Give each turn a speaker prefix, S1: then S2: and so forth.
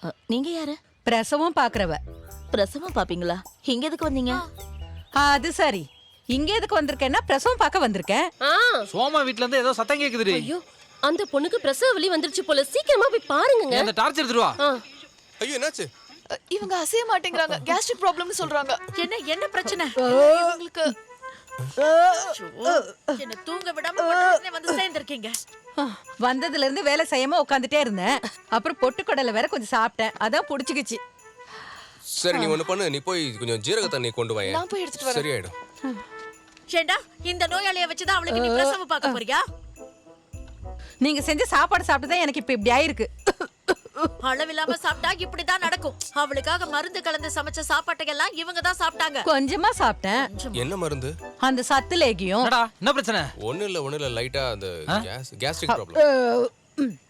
S1: நீங்க யாரு?
S2: பிரசவம் பாக்குறவ.
S1: பிரசவம் பாப்பீங்களா? இங்க எதுக்கு வந்தீங்க?
S2: அது சரி, இங்க எதுக்கு வந்திருக்கேன்னா பிரசவம் பார்க்க வந்திருக்கேன்.
S3: சோமா வீட்ல இருந்து ஏதோ சத்தம் கேக்குதுடி.
S4: ஐயோ, அந்த பொண்ணுக்கு பிரசவ வலி வந்துருச்சு போல. சீக்கிரமா போய் பாருங்க.
S3: அந்த டார்ச் எடுத்துட்டு வா.
S5: ஐயோ என்னாச்சு?
S6: இவங்க அசைய மாட்டேங்கறாங்க. கேஸ்ட்ரிக் ப்ராப்ளம்னு சொல்றாங்க.
S1: என்ன பிரச்சனை?
S6: இவங்களுக்கு
S1: என்ன தூங்க விடாம மட்டும் வந்து சேர்ந்திருக்கீங்க.
S2: வந்ததுல இருந்து வேலை செய்யாம உட்காந்துட்டே இருந்தேன். அப்புறம் பொட்டுக்கடலை வேற கொஞ்சம் சாப்பிட்டேன், அதான் புடிச்சுக்கிச்சு.
S5: சரி நீ ஒண்ணு பண்ணு, நீ போய் கொஞ்சம் ஜீரக தண்ணி கொண்டு வா.
S6: நான் போய் எடுத்துட்டு வரேன்.
S5: சரியாயிடும்.
S1: ஏண்டா இந்த நோயாளிய வச்சுதான் அவளுக்கு நீ பிரசவம் பார்க்க போறியா?
S2: நீங்க செஞ்ச சாப்பாடு சாப்பிட்டுதான் எனக்கு இப்ப இப்படி ஆயிருக்கு.
S1: அளவில்லாம சாப்பிட்டா இப்படிதான் நடக்கும். அவளுக்காக மருந்து கலந்து சமைச்ச சாப்பாட்டையெல்லாம் இவங்க தான் சாப்பிட்டாங்க.
S2: கொஞ்சமா சாப்பிட்டேன்.
S5: என்ன மருந்து?
S2: அந்த சத்து லேகியம்.
S3: என்னடா என்ன பிரச்சனை?
S5: ஒண்ணு இல்ல லைட்டா அந்த கேஸ்ட்ரிக் ப்ராப்ளம்.